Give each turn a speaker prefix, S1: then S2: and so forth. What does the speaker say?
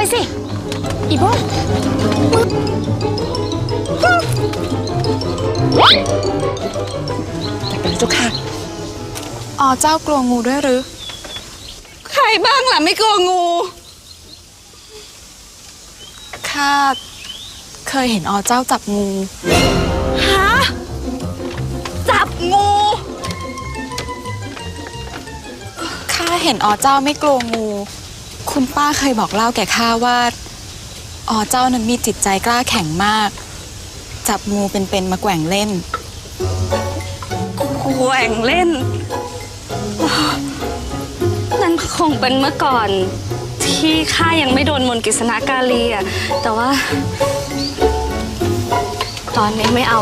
S1: สิอีโบ้ไปเลยเจ้าค่ะอ๋อเจ้ากลัวงูด้วยหรือใครบ้างล่ะไม่กลัวงูข้าเคยเห็นอ๋อเจ้าจับงูฮะจับงูข้าเห็นอ๋อเจ้าไม่กลัวงูคุณป้าเคยบอกเล่าแก่ข้าว่าอ๋อเจ้านั้นมีจิตใจกล้าแข็งมากจับงูเป็นๆมาแกว่งเล่น
S2: แกว่งเล่นนั่นคงเป็นเมื่อก่อนที่ข้ายังไม่โดนมนต์กฤษณกาลีอะแต่ว่าตอนนี้ไม่เอา